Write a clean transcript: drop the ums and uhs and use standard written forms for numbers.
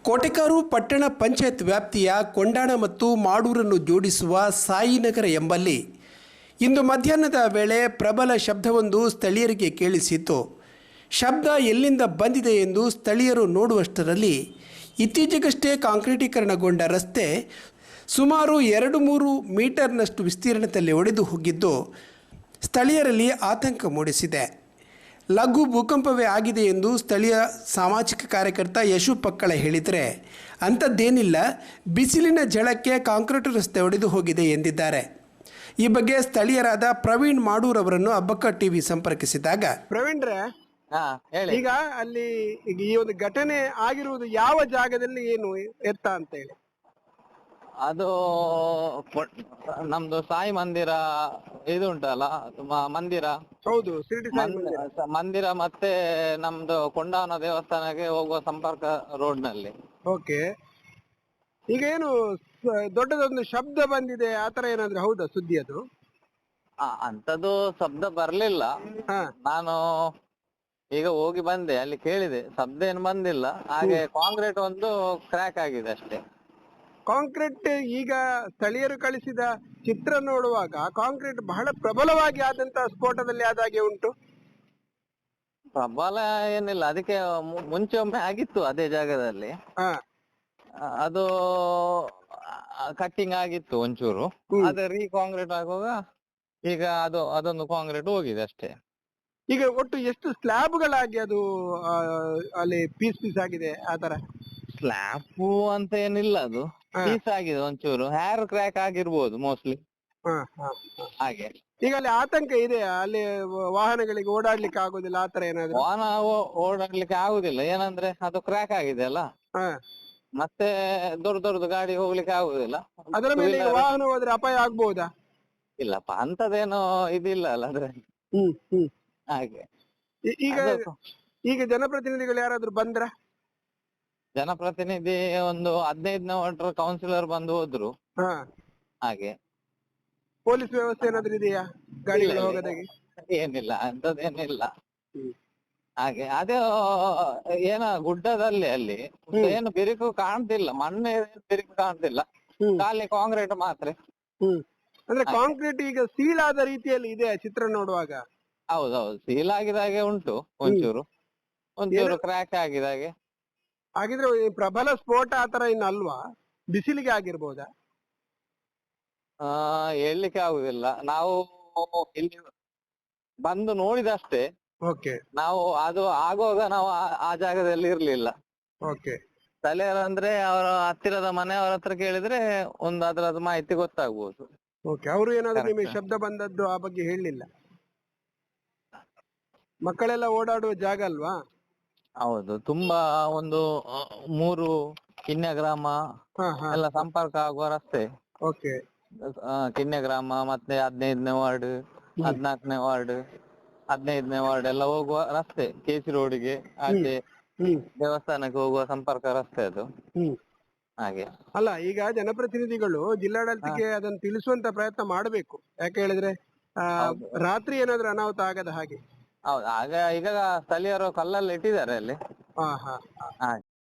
ಕೋಟೆಕಾರು ಪಟ್ಟಣ ಪಂಚಾಯತ್ ವ್ಯಾಪ್ತಿಯ ಕೊಂಡಾಣ ಮತ್ತು ಮಾಡೂರನ್ನು ಜೋಡಿಸುವ ಸಾಯಿನಗರ ಎಂಬಲ್ಲಿ ಇಂದು ಮಧ್ಯಾಹ್ನದ ವೇಳೆ ಪ್ರಬಲ ಶಬ್ದವೊಂದು ಸ್ಥಳೀಯರಿಗೆ ಕೇಳಿಸಿತ್ತು. ಶಬ್ದ ಎಲ್ಲಿಂದ ಬಂದಿದೆ ಎಂದು ಸ್ಥಳೀಯರು ನೋಡುವಷ್ಟರಲ್ಲಿ ಇತ್ತೀಚೆಗಷ್ಟೇ ಕಾಂಕ್ರೀಟೀಕರಣಗೊಂಡ ರಸ್ತೆ ಸುಮಾರು 2-3 ಮೀಟರ್ನಷ್ಟು ವಿಸ್ತೀರ್ಣದಲ್ಲಿ ಒಡೆದು ಹೋಗಿದ್ದು ಸ್ಥಳೀಯರಲ್ಲಿ ಆತಂಕ ಮೂಡಿಸಿದೆ. ಲಘು ಭೂಕಂಪವೇ ಆಗಿದೆ ಎಂದು ಸ್ಥಳೀಯ ಸಾಮಾಜಿಕ ಕಾರ್ಯಕರ್ತ ಯಶು ಪಕ್ಕಳ ಹೇಳಿದರೆ, ಅಂಥದ್ದೇನಿಲ್ಲ, ಬಿಸಿಲಿನ ಝಳಕ್ಕೆ ಕಾಂಕ್ರೀಟ್ ರಸ್ತೆ ಒಡೆದು ಹೋಗಿದೆ ಎಂದಿದ್ದಾರೆ. ಈ ಬಗ್ಗೆ ಸ್ಥಳೀಯರಾದ ಪ್ರವೀಣ್ ಮಾಡೂರ್ ಅವರನ್ನು ಅಬ್ಬಕ್ಕ ಟಿವಿ ಸಂಪರ್ಕಿಸಿದಾಗ, ಪ್ರವೀಣ್ರೆ, ಈಗ ಅಲ್ಲಿ ಈ ಒಂದು ಘಟನೆ ಆಗಿರುವುದು ಯಾವ ಜಾಗದಲ್ಲಿ, ಏನು ಎತ್ತ ಅಂತ ಹೇಳಿ? ಅದು ನಮ್ದು ಸಾಯಿ ಮಂದಿರ ಇದು ಉಂಟಲ್ಲ, ಮಂದಿರ. ಹೌದು, ಶಿರಡಿ ಸಾಯಿ ಮಂದಿರ ಮತ್ತೆ ನಮ್ದು ಕೊಂಡಾವನ ದೇವಸ್ಥಾನಕ್ಕೆ ಹೋಗುವ ಸಂಪರ್ಕ ರೋಡ್ ನಲ್ಲಿ. ಓಕೆ, ಈಗ ಏನು ದೊಡ್ಡದೊಂದು ಶಬ್ದ ಬಂದಿದೆ ಆತರ ಏನಾದ್ರು ಹೌದಾ ಸುದ್ದಿ? ಅದು ಅಂತದ್ದು ಶಬ್ದ ಬರ್ಲಿಲ್ಲ. ನಾನು ಈಗ ಹೋಗಿ ಬಂದೆ, ಅಲ್ಲಿ ಕೇಳಿದೆ, ಶಬ್ದ ಏನು ಬಂದಿಲ್ಲ. ಹಾಗೆ ಕಾಂಕ್ರೀಟ್ ಒಂದು ಕ್ರ್ಯಾಕ್ ಆಗಿದೆ ಅಷ್ಟೇ. ಕಾಂಕ್ರೀಟ್ ಈಗ ಸ್ಥಳೀಯರು ಕಳಿಸಿದ ಚಿತ್ರ ನೋಡುವಾಗ ಕಾಂಕ್ರೀಟ್ ಬಹಳ ಪ್ರಬಲವಾಗಿ ಆದಂತಹ ಸ್ಫೋಟದಲ್ಲಿ ಆದಾಗೆ ಉಂಟು. ಪ್ರಬಲ ಏನಿಲ್ಲ, ಅದಕ್ಕೆ ಮುಂಚೆ ಒಮ್ಮೆ ಆಗಿತ್ತು ಅದೇ ಜಾಗದಲ್ಲಿ. ಅದು ಕಟ್ಟಿಂಗ್ ಆಗಿತ್ತು ಒಂಚೂರು, ಅದೇ ರೀ ಕಾಂಕ್ರೀಟ್ ಆಗುವಾಗ ಈಗ ಅದೊಂದು ಕಾಂಕ್ರೀಟ್ ಹೋಗಿದೆ ಅಷ್ಟೇ. ಈಗ ಒಟ್ಟು ಎಷ್ಟು ಸ್ಲ್ಯಾಬ್ಗಳಾಗಿ ಅದು ಅಲ್ಲಿ ಪೀಸ್ ಪೀಸ್ ಆಗಿದೆ ಆತರ? ಸ್ಲ್ಯಾಬ್ ಅಂತ ಏನಿಲ್ಲ, ಅದು ಪೀಸ್ ಆಗಿದೆ ಒಂಚೂರು. ಹೇರ್ ಕ್ರ್ಯಾಕ್ ಆಗಿರ್ಬೋದು ಮೋಸ್ಟ್ಲಿ. ಹಾಗೆ ಈಗ ಅಲ್ಲಿ ಆತಂಕ ಇದೆ, ಅಲ್ಲಿ ವಾಹನಗಳಿಗೆ ಓಡಾಡ್ಲಿಕ್ಕೆ ಆಗುದಿಲ್ಲ ಆತರ ಏನಾದ್ರು? ವಾಹನ ಓಡಾಡ್ಲಿಕ್ಕೆ ಆಗುದಿಲ್ಲ, ಏನಂದ್ರೆ ಅದು ಕ್ರ್ಯಾಕ್ ಆಗಿದೆ ಅಲ್ಲ, ಮತ್ತೆ ದೊಡ್ಡ ಗಾಡಿ ಹೋಗ್ಲಿಕ್ಕೆ ಆಗುದಿಲ್ಲ. ಅದರ ಮೇಲೆ ವಾಹನ ಹೋದ್ರೆ ಅಪಾಯ ಆಗ್ಬಹುದಾ? ಇಲ್ಲಪ್ಪ, ಅಂತದೇನೋ ಇದಿಲ್ಲ ಅಲ್ಲ ಅದ್ರೆ. ಹಾಗೆ ಈಗ ಜನಪ್ರತಿನಿಧಿಗಳು ಯಾರಾದ್ರೂ ಬಂದ್ರ? ಜನಪ್ರತಿನಿಧಿ ಒಂದು 15ನೇ ವಾರ್ಡ್ ಕೌನ್ಸಿಲರ್ ಬಂದು ಹೋದ್ರು. ಹಾಗೆ ಪೊಲೀಸ್ ವ್ಯವಸ್ಥೆ ಏನಾದ್ರು ಇದೆಯಾ ಗಾಡಿಗಳು ಹೋಗದಾಗೆ? ಏನಿಲ್ಲ, ಅಂತದೇನಿಲ್ಲ. ಹಾಗೆ ಅದೇ ಏನ ಗುಡ್ಡದಲ್ಲಿ ಅಲ್ಲಿ ಏನು ಬಿರುಕು ಕಾಣ್ತಿಲ್ಲ, ಮಣ್ಣು ಬಿರುಕು ಕಾಣ್ತಿಲ್ಲ, ಖಾಲಿ ಕಾಂಕ್ರೀಟ್ ಮಾತ್ರ. ಅಂದ್ರೆ ಕಾಂಕ್ರೀಟ್ ಈಗ ಸೀಳಾದ ರೀತಿಯಲ್ಲಿ ಇದೆ ಚಿತ್ರ ನೋಡುವಾಗ. ಹೌದೌದು, ಸೀಲ್ ಆಗಿದಾಗೆ ಉಂಟು, ಒಂಚೂರು ಕ್ರ್ಯಾಕ್ ಆಗಿದಾಗೆ. ಹಾಗಿದ್ರೆ ಪ್ರಬಲ ಸ್ಫೋಟ ಆತರ ಇನ್ನು ಅಲ್ವಾ? ಬಿಸಿಲಿಗೆ ಆಗಿರ್ಬೋದಾ? ಹೇಳ್ಲಿಕ್ಕೆ ಆಗುದಿಲ್ಲ, ನಾವು ಇಲ್ಲಿ ಬಂದು ನೋಡಿದಷ್ಟೇ. ನಾವು ಅದು ಆಗುವಾಗ ನಾವು ಆ ಜಾಗದಲ್ಲಿ ಇರ್ಲಿಲ್ಲ. ಸ್ಥಳೀಯರಂದ್ರೆ ಅವರ ಹತ್ತಿರದ ಮನೆಯವರ ಹತ್ರ ಕೇಳಿದ್ರೆ ಒಂದು ಅದರದ್ದು ಮಾಹಿತಿ ಗೊತ್ತಾಗ್ಬೋದು. ಅವರು ಏನಾದ್ರು ನಿಮಗೆ ಶಬ್ದ ಬಂದದ್ದು ಆ ಬಗ್ಗೆ ಹೇಳಲಿಲ್ಲ? ಮಕ್ಕಳೆಲ್ಲ ಓಡಾಡುವ ಜಾಗ ಅಲ್ವಾ? ಹೌದು, ತುಂಬಾ ಒಂದು 3 ಕಿನ್ಯ ಗ್ರಾಮ ಎಲ್ಲ ಸಂಪರ್ಕ ಆಗುವ ರಸ್ತೆ. ಕಿನ್ಯ ಗ್ರಾಮ ಮತ್ತೆ 15ನೇ ವಾರ್ಡ್, 14ನೇ ವಾರ್ಡ್, 15ನೇ ವಾರ್ಡ್ ಎಲ್ಲ ಹೋಗುವ ರಸ್ತೆ. ಕೆಸಿ ರೋಡ್ಗೆ ಆಚೆ ದೇವಸ್ಥಾನಕ್ಕೆ ಹೋಗುವ ಸಂಪರ್ಕ ರಸ್ತೆ ಅದು. ಹಾಗೆ ಅಲ್ಲ, ಈಗ ಜನಪ್ರತಿನಿಧಿಗಳು ಜಿಲ್ಲಾಡಳಿತಕ್ಕೆ ಅದನ್ನು ತಿಳಿಸುವಂತ ಪ್ರಯತ್ನ ಮಾಡಬೇಕು. ಯಾಕೆ ಹೇಳಿದ್ರೆ ರಾತ್ರಿ ಏನಾದ್ರು ಅನಾಹುತ ಆಗದ ಹಾಗೆ. ಹೌದು, ಆಗ ಈಗ ಸ್ಥಳೀಯರು ಕಲ್ಲಲ್ಲಿ ಇಟ್ಟಿದ್ದಾರೆ ಅಲ್ಲಿ.